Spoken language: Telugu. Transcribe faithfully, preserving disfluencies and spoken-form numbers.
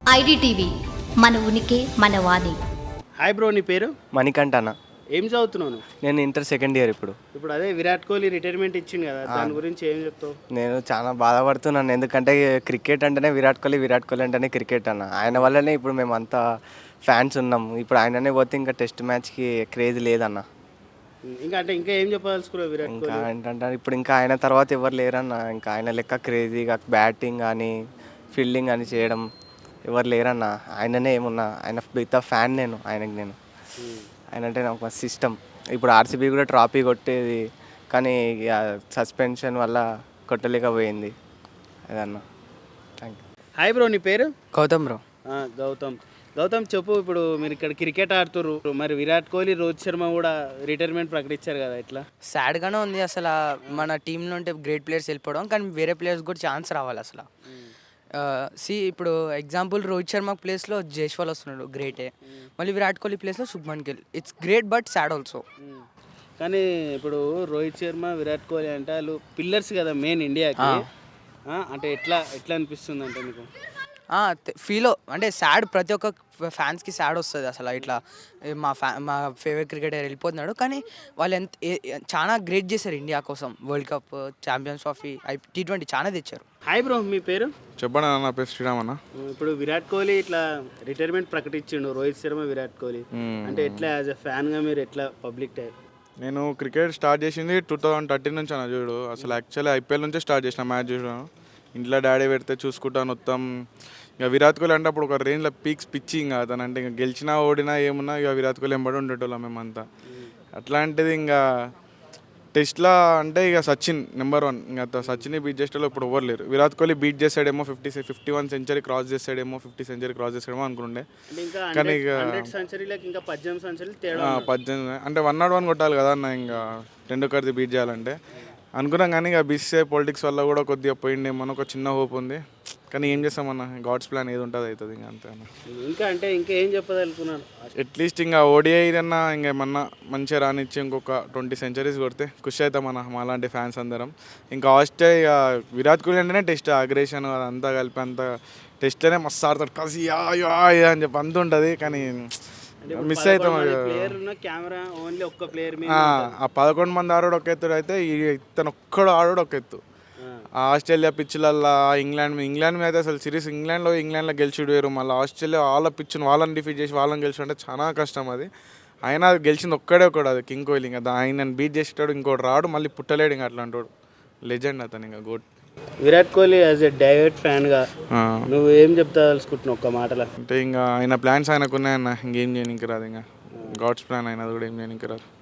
ఐడిటీవీ మన ఉనికి మన వాణి. హాయ్ బ్రో, నీ పేరు? మణికంఠ అన్న. ఏం చదువుతున్నాను? నేను ఇంటర్ సెకండ్ ఇయర్ ఇప్పుడు. ఇప్పుడు అదే విరాట్ కోహ్లీ రిటైర్మెంట్ ఇచ్చింది కదా, దాని గురించి ఏం చెప్తావు? నేను చాలా బాధపడుతున్నాను, ఎందుకంటే క్రికెట్ అంటేనే విరాట్ కోహ్లీ, విరాట్ కోహ్లీ అంటేనే క్రికెట్ అన్న. ఆయన వల్లనే ఇప్పుడు మేము అంతా ఫ్యాన్స్ ఉన్నాం. ఇప్పుడు ఆయననే పోతే ఇంకా టెస్ట్ మ్యాచ్కి క్రేజ్ లేదన్న. ఇంకా అంటే ఇంకా ఏం చెప్పదలుచుకున్నావు విరాట్ ఇంకా కోహ్లీ? ఏంటంటే ఇప్పుడు ఇంకా ఆయన తర్వాత ఎవరు లేరన్న. ఇంకా ఆయన లెక్క క్రేజీగా బ్యాటింగ్ కానీ ఫీల్డింగ్ కానీ చేయడం ఎవరు లేరన్న. ఆయననే ఏమున్నా, ఆయన బిగ్ ఫ్యాన్ నేను ఆయనకి. నేను ఆయన అంటే నాకు మస్తు ఇష్టం. ఇప్పుడు ఆర్సీబీ కూడా ట్రాఫీ కొట్టేది, కానీ ఇక సస్పెన్షన్ వల్ల కొట్టలేకపోయింది అదన్న. Thank you. హాయ్ బ్రో, నీ పేరు? గౌతమ్ బ్రో. ఆ, గౌతమ్. గౌతమ్ చెప్పు, ఇప్పుడు మీరు ఇక్కడ క్రికెట్ ఆడుతుర్రు, మరి విరాట్ కోహ్లీ, రోహిత్ శర్మ కూడా రిటైర్మెంట్ ప్రకటించారు కదా, ఎట్లా? సాడ్గానే ఉంది అసలు. మన టీంలో ఉంటే గ్రేట్ ప్లేయర్స్ వెళ్ళిపోవడం, కానీ వేరే ప్లేయర్స్ కూడా ఛాన్స్ రావాలి అసలు. సి ఇప్పుడు ఎగ్జాంపుల్ రోహిత్ శర్మ ప్లేస్లో జైస్వాల్ వస్తున్నాడు, గ్రేటే. మళ్ళీ విరాట్ కోహ్లీ ప్లేస్లో Shubman Gill. It's great but sad also. కానీ ఇప్పుడు రోహిత్ శర్మ, విరాట్ కోహ్లీ అంటే వాళ్ళు పిల్లర్స్ కదా మెయిన్ ఇండియాకి. అంటే ఎట్లా ఎట్లా అనిపిస్తుంది అంటే మీకు? ఫీల్ అంటే సాడ్, ప్రతి ఒక్క ఫ్యాన్స్కి సాడ్ వస్తుంది అసలు. ఇట్లా మా ఫ్యా మా ఫేవరెట్ క్రికెటర్ వెళ్ళిపోతున్నాడు, కానీ వాళ్ళు ఎంత చాలా గ్రేట్ చేశారు ఇండియా కోసం. World cup, champions trophy, I T twenty చాలా తెచ్చారు. హాయ్ బ్రో, మీ పేరు? చెప్పండి అన్న. నా పేరు శ్రీరామ్ అన్న. ఇప్పుడు విరాట్ కోహ్లీ ఇట్లా రిటైర్మెంట్ ప్రకటించిండు, రోహిత్ శర్మ, విరాట్ కోహ్లీ. అంటే ఎట్లా యాజ్ ఎ ఫ్యాన్గా మీరు ఎట్లా పబ్లిక్ టైప్? నేను క్రికెట్ స్టార్ట్ చేసింది టూ థౌజండ్ థర్టీన్ నుంచి అన్న. చూడు, అసలు యాక్చువల్లీ ఐపీఎల్ నుంచే స్టార్ట్ చేసిన మ్యాచ్ చూడడం. ఇంట్లో డాడీ పెడితే చూసుకుంటాను మొత్తం. ఇక విరాట్ కోహ్లీ అంటే అప్పుడు ఒక రేంజ్లో పీక్స్ పిచ్చి. ఇంకా అతను అంటే ఇంకా గెలిచినా ఓడినా ఏమున్నా ఇక విరాట్ కోహ్లీ ఎంబడి ఉండేటోళ్ళం మేమంతా. అట్లాంటిది ఇంకా టెస్ట్లో అంటే ఇక సచిన్ నెంబర్ వన్. ఇంకా సచిన్ బీట్ చేసేటోళ్ళు ఇప్పుడు ఎవరు లేరు. విరాట్ కోహ్లీ బీట్ చేసాడేమో, fifty fifty one century cross చేసాడేమో, ఫిఫ్టీ సెంచరీ క్రాస్ చేసాడేమో అనుకుంటే, కానీ ఇక పద్దెనిమిది అంటే వన్ నాట్ వన్ కొట్టాలి కదా అన్న. ఇంకా టెండూల్కర్ది బీట్ చేయాలంటే అనుకున్నాం, కానీ ఇక బీసీసీఐ పాలిటిక్స్ వల్ల కూడా కొద్దిగా పోయిండేమో ఒక చిన్న హోప్ ఉంది. కానీ ఏం చేస్తామన్న, గాడ్స్ ప్లాన్ ఏది ఉంటుంది అవుతుంది ఇంకా, అంతే అన్న. ఇంకా అంటే ఇంకా ఏం చెప్పదలుకున్నాను? అట్లీస్ట్ ఇంకా ఓడిఐ అన్నా ఇంకేమన్నా మంచిగా రానిచ్చి ఇంకొక ట్వంటీ సెంచరీస్ కొడితే ఖుషి అవుతాం అన్న, మాలాంటి ఫ్యాన్స్ అందరం. ఇంకా ఆస్ట్రేలియా విరాట్ కోహ్లీ అంటేనే టెస్ట్ అగ్రేషన్ అదంతా కలిపి అంతా టెస్ట్లోనే మస్తు ఆడతాడు, కసి అని చెప్పి అంత ఉంటుంది. కానీ మిస్ అవుతాం. ఆ పదకొండు మంది ఆడోడు ఒక ఎత్తుడు అయితే ఇతను ఒక్కడు ఆడోడు ఒక ఎత్తు. ఆస్ట్రేలియా పిచ్చులల్లా ఇంగ్లాండ్ ఇంగ్లాండ్ మీద అసలు సిరీస్ ఇంగ్లాండ్లో ఇంగ్లాండ్లో గెలిచిడు వేరు. మళ్ళీ ఆస్ట్రేలియా వాళ్ళ పిచ్చును వాళ్ళని డిఫీట్ చేసి వాళ్ళని గెలిచి అంటే చాలా కష్టం అది. అయినా అది గెలిచింది ఒక్కడే ఒకడు, అది కింగ్ కోహ్లీ. ఇంకా ఆయన బీట్ చేసేటాడు ఇంకోటి రాడు, మళ్ళీ పుట్టలేడు. ఇంకా అట్లాంటి వాడు లెజెండ్ అతను, ఇంకా goat. Virat Kohli as a diehard ఫ్యాన్గా నువ్వు ఏం చెప్తా తెలుసుకుంటున్నావు ఒక్క మాటలో? అంటే ఇంకా ఆయన ప్లాన్స్ ఆయనకు ఉన్నాయన్న, ఇంకేం చేయడానికి రాదు. ఇంకా గాడ్స్ ప్లాన్ అయినది కూడా ఏం చేయడానికి రాదు.